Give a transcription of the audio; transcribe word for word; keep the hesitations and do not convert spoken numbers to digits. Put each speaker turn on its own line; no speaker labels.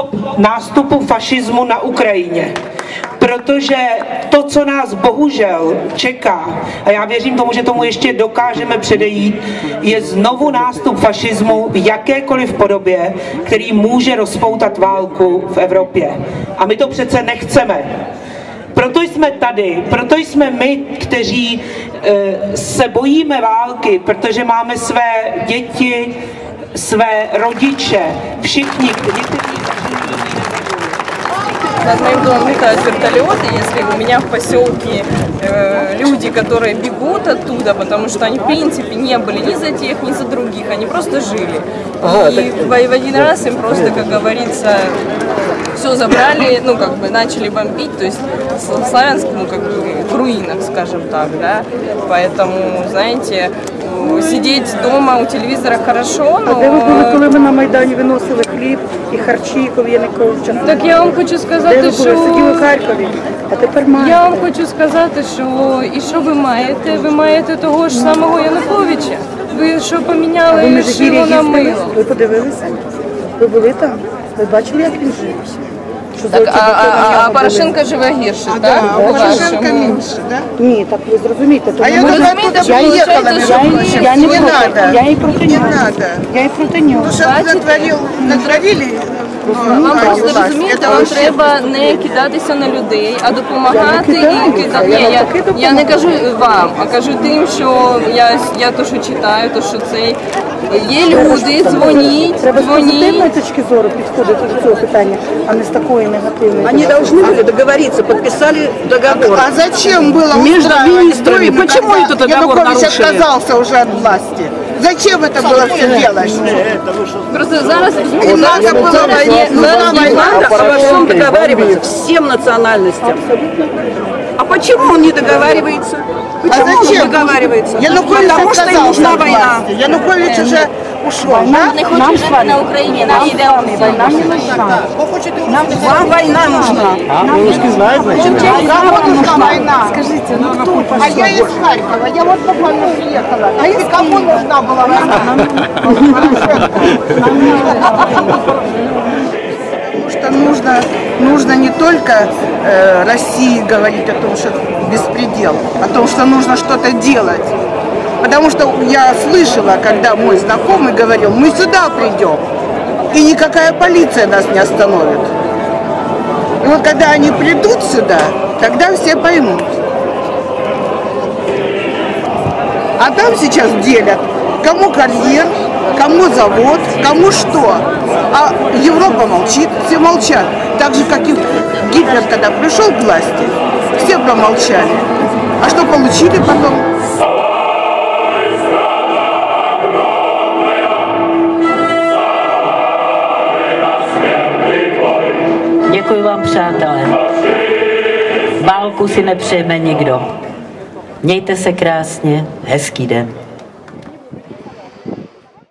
stop nástupu fašismu na Ukrajině. Protože to, co nás bohužel čeká, a já věřím tomu, že tomu ještě dokážeme předejít, je znovu nástup fašismu v jakékoliv podobě, který může rozpoutat válku v Evropě. A my to přece nechceme. Proto jsme tady, proto jsme my, kteří e, se bojíme války, protože máme své děti, své rodiče, všichni, někteří...
Над моим домом летают вертолеты, если у меня в поселке э, люди, которые бегут оттуда, потому что они в принципе не были ни за тех, ни за других, они просто жили. Ага, и так... в один раз им просто, как говорится, все забрали, ну как бы начали бомбить, то есть Славянск, ну как бы в руинах, скажем так, да. Поэтому, знаете, сидеть дома у телевизора хорошо, но...
А де ви були, коли ми на Майдані виносили хліб і харчі, коли Януковича?
Так я вам хочу сказати,
де ви були?
що...
Сиділи в Харкові, а тепер маєте.
Я вам хочу сказати, що і що ви маєте? Ви маєте того ж самого Януковича. Ви що поміняли
ви
шило на мило?
Ви подивилися? Ви були там? Ви бачили, як він жив?
Так, а, а, а Порошенко живе гірше,
а,
так?
Да, Порошенко менше, да?
Ні, так ви зрозумієте.
А я
можна...
розумієте,
я
їхала,
я, я, я не,
не
проти,
надо.
я і проти
Не
нього.
надо.
Я і проти нього.
Ну, що натворив, натворили?
Вам просто розумієте, вам треба не кидатися на людей, а допомагати їм кидати. Ні, я, я не кажу вам, а кажу тим, що я, я то, що читаю, то, що це є люди, дзвоніть,
треба з позитивної
дзвоніть.
точки зору підходити до цього питання, а не з такої негативної.
Они должны были договориться, подписали договор.
А зачем было
Между министрами?
войну,
Почему
когда
этот договор
Янукович
нарушили?
отказался уже от власти? Зачем это было все делать?
Просто зараз
Не надо было
зараз є
войну.
зараз є
Надо обо всем договариваться, всем национальностям. А почему он не договаривается? Почему
А зачем?
он не договаривается?
Янукович
Потому что им
отказался
нужна
от
война.
власти. Янукович уже ушел.
Нам,
Да?
нам з вами, на Україні, нам з вами війна не нужна.
Вам война нужна.
А, русский знает, значит?
Кому нужна война? Скажите, ну кто А я из Харькова, я вот буквально приехала. А и кому нужна была война? Потому что нужно, нужно не только э, России говорить о том, что беспредел, о том, что нужно что-то делать. Потому что я слышала, когда мой знакомый говорил, мы сюда придем, и никакая полиция нас не остановит. И вот когда они придут сюда, тогда все поймут. А там сейчас делят, кому карьер, кому завод, кому что. А Европа молчит, все молчат. Так же, как и Гитлер, когда пришел к власти, все промолчали. А что получили потом?
Děkuji vám, přátelé. Válku si nepřejeme nikdo. Mějte se krásně, hezký den.